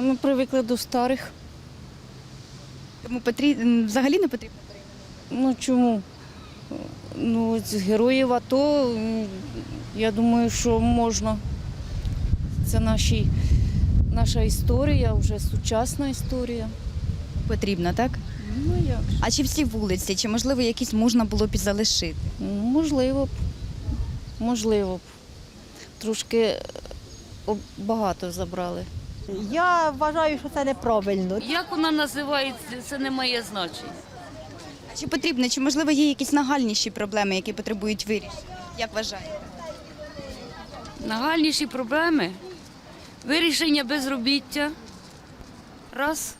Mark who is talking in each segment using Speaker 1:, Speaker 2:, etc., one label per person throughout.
Speaker 1: Ми привикли до старих.
Speaker 2: Тому взагалі не потрібно перейменовувати?
Speaker 1: Ну чому? Ну, з героїв АТО, я думаю, що можна. Це наша історія, вже сучасна історія.
Speaker 2: Потрібно, так?
Speaker 1: Ну як же?
Speaker 2: А чи всі вулиці, чи можливо якісь можна було б і залишити?
Speaker 1: Можливо б. Можливо б. Трошки багато забрали.
Speaker 3: Я вважаю, що це неправильно.
Speaker 4: Як вона називається, це не має значення.
Speaker 2: А чи потрібно, чи можливо є якісь нагальніші проблеми, які потребують вирішення? Як вважаєте?
Speaker 4: Нагальніші проблеми – вирішення безробіття, раз.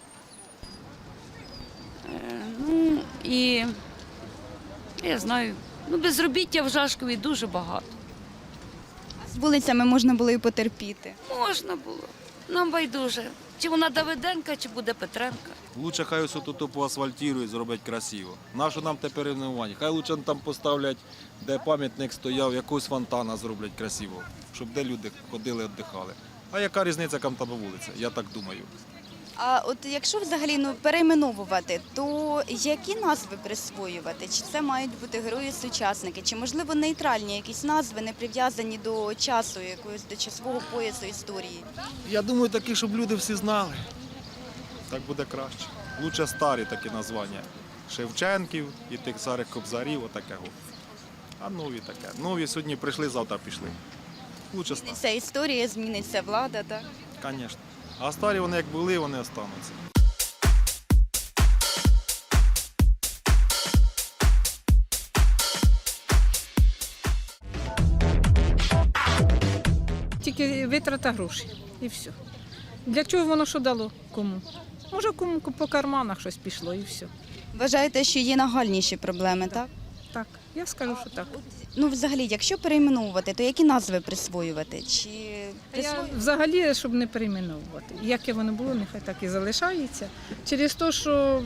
Speaker 4: Ну і, я знаю, безробіття в Жашкові дуже багато.
Speaker 2: А з вулицями можна було і потерпіти.
Speaker 4: Можна було. Нам байдуже. Чи вона Давиденка, чи буде Петренка.
Speaker 5: Лучше хай ось тут поасфальтують, зроблять красиво. Нащо нам те перейменування? Хай лучше там поставлять, де пам'ятник стояв, якогось фонтана зроблять красиво, щоб де люди ходили, віддихали. А яка різниця, яка там вулиця? Я так думаю.
Speaker 2: А от якщо взагалі перейменовувати, то які назви присвоювати? Чи це мають бути герої-сучасники? Чи можливо нейтральні якісь назви, не прив'язані до часу, якогось до часового поясу історії?
Speaker 5: Я думаю, такі, щоб люди всі знали. Так буде краще. Лучше старі такі названня. Шевченків і тих старих кобзарів, отакого. А нові таке. Нові сьогодні прийшли, завтра пішли. Лучше старі.
Speaker 2: Зміниться історія, зміниться влада, так?
Speaker 5: Звісно. А старі вони як були, вони остануться.
Speaker 6: Тільки витрата грошей і все. Для чого воно що дало? Кому? Може, кому по карманах щось пішло і все.
Speaker 2: Вважаєте, що є нагальніші проблеми, так?
Speaker 6: Так, я скажу, що так.
Speaker 2: Ну, взагалі, якщо перейменовувати, то які назви присвоювати? Чи
Speaker 6: Я взагалі, щоб не перейменовувати. Яке воно було, нехай так і залишається. Через те, що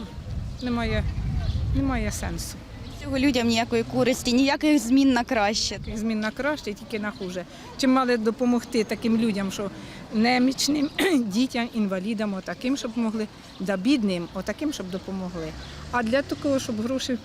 Speaker 6: немає сенсу.
Speaker 2: цього людям ніякої користі, ніяких змін на краще?
Speaker 6: Змін на краще, тільки на хуже. Чим мали допомогти таким людям, що немічним, дітям, інвалідам, отаким, щоб могли, да бідним, отаким, щоб допомогли. А для такого, щоб грошей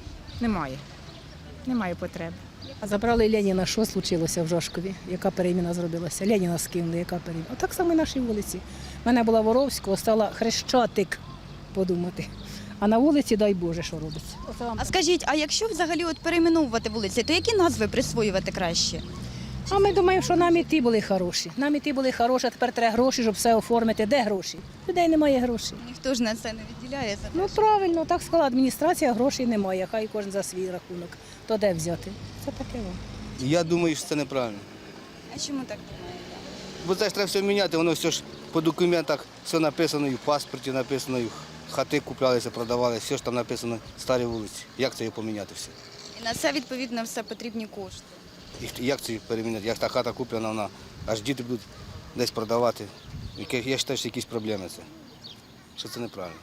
Speaker 6: немає потреби.
Speaker 7: А забрали Леніна, що случилося в Жашкові? Яка переміна зробилася? Леніна скинули, яка переміна? Отак само і наші вулиці. У мене була Воровського, стала Хрещатик, подумати. А на вулиці, дай Боже, що робиться.
Speaker 2: А скажіть, а якщо взагалі перейменовувати вулиці, то які назви присвоювати краще?
Speaker 7: А ми думаємо, що нам і ті були хороші. Нам і ті були хороші, а тепер треба гроші, щоб все оформити. Де гроші? Людей немає грошей.
Speaker 2: Ніхто ж на це не відділяє.
Speaker 7: Ну правильно, так сказала адміністрація, грошей немає, хай кожен за свій рахунок. То де взяти? Це таке вам.
Speaker 8: Я думаю, що це неправильно.
Speaker 2: А чому так думаєте?
Speaker 8: Бо це ж треба все міняти, воно все ж по документах, все написано, і в паспорті написано, і хати куплялися, продавали, все ж там написано, старі вулиці. Як це його поміняти все?
Speaker 2: І на це, відповідно, все потрібні кошти.
Speaker 8: І як це переміняти? Як та хата куплена, вона, аж діти будуть десь продавати. Я вважаю, що якісь проблеми це. Що це неправильно.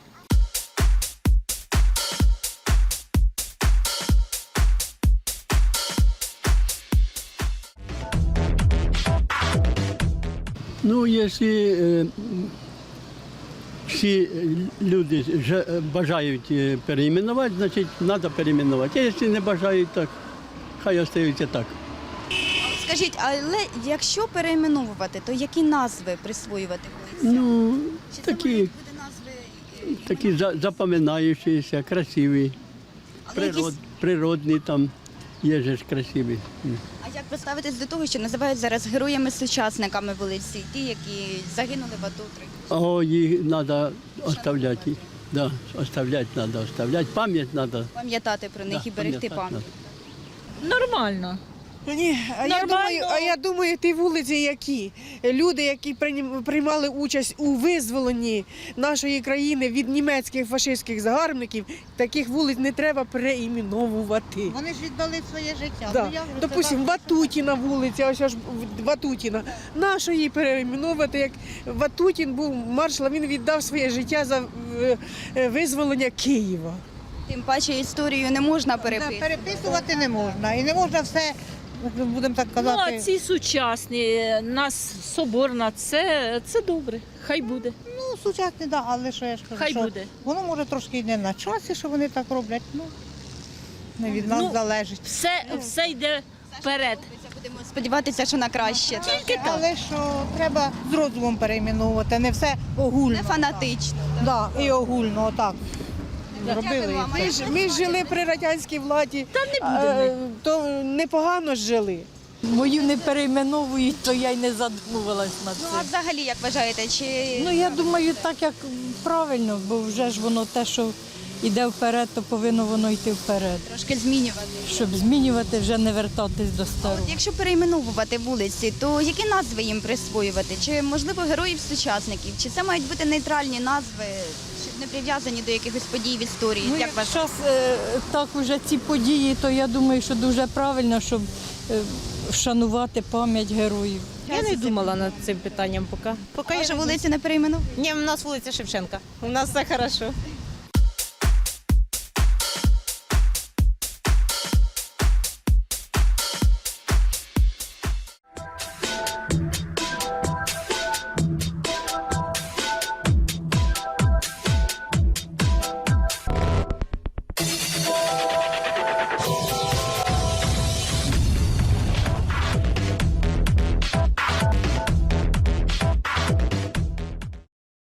Speaker 9: Ну, якщо всі люди бажають перейменувати, значить треба перейменувати. А якщо не бажають, так хай остаються так.
Speaker 2: Скажіть, але якщо перейменовувати, то які назви присвоювати вулицям?
Speaker 9: Ну,
Speaker 2: Чи це
Speaker 9: такі,
Speaker 2: мають бути назви?
Speaker 9: такі запам'ятаючіся, красиві,
Speaker 2: Але якісь...
Speaker 9: природні там є ж красиві.
Speaker 2: А як ви ставитесь до того, що називають зараз героями-сучасниками вулиці, ті, які загинули в АТО?
Speaker 9: О, їх треба оставляти. Да, оставляти треба, пам'ять треба.
Speaker 2: Пам'ятати про них і берегти пам'ять.
Speaker 6: Нормально.
Speaker 3: Ні, я думаю, ті вулиці, які люди, які приймали участь у визволенні нашої країни від німецьких фашистських загарбників, таких вулиць не треба переіменовувати.
Speaker 10: Вони ж віддали своє життя.
Speaker 3: Да. Допустим, Ватутіна вулиця, ось аж Ватутіна. Нащо її переіменовувати, як Ватутін був маршалом, він віддав своє життя за визволення Києва.
Speaker 2: Тим паче історію не можна переписувати.
Speaker 10: Переписувати не можна. І не можна все, будемо так казати.
Speaker 6: Ну, а ці сучасні, нас соборна, це добре, хай буде.
Speaker 10: Ну, сучасні, да, але що я ж кажу,
Speaker 4: Хай
Speaker 10: що
Speaker 4: буде.
Speaker 10: воно може трошки і не на часі, що вони так роблять. Ну, не від нас залежить.
Speaker 4: Все йде вперед.
Speaker 2: Будемо сподіватися, що на краще. так?
Speaker 10: Але що треба з розумом перейменовувати, не все огульно.
Speaker 2: Не фанатично.
Speaker 10: Да, і огульно, отак. Зробили.
Speaker 2: вам.
Speaker 3: Ми ж жили при радянській владі, то непогано ж жили.
Speaker 11: Мою не перейменовують, то я й не задумувалась над
Speaker 2: Ну а
Speaker 11: цим.
Speaker 2: взагалі, як вважаєте, чи
Speaker 11: Ну я думаю, так як правильно, бо вже ж воно те, що йде вперед, то повинно воно йти вперед.
Speaker 2: трошки змінювати?
Speaker 11: Щоб змінювати, вже не вертатись до старого.
Speaker 2: Якщо перейменовувати вулиці, то які назви їм присвоювати? Чи можливо героїв-сучасників? Чи це мають бути нейтральні назви, щоб не прив'язані до якихось подій в історії?
Speaker 11: Ну,
Speaker 2: як
Speaker 11: як
Speaker 2: вважаєте?
Speaker 11: зараз так уже ці події, то я думаю, що дуже правильно, щоб вшанувати пам'ять героїв.
Speaker 12: Я не думала над цим питанням поки.
Speaker 2: Може, вулиці не перейменовувати?
Speaker 12: Ні, у нас вулиця Шевченка. У нас все хорошо.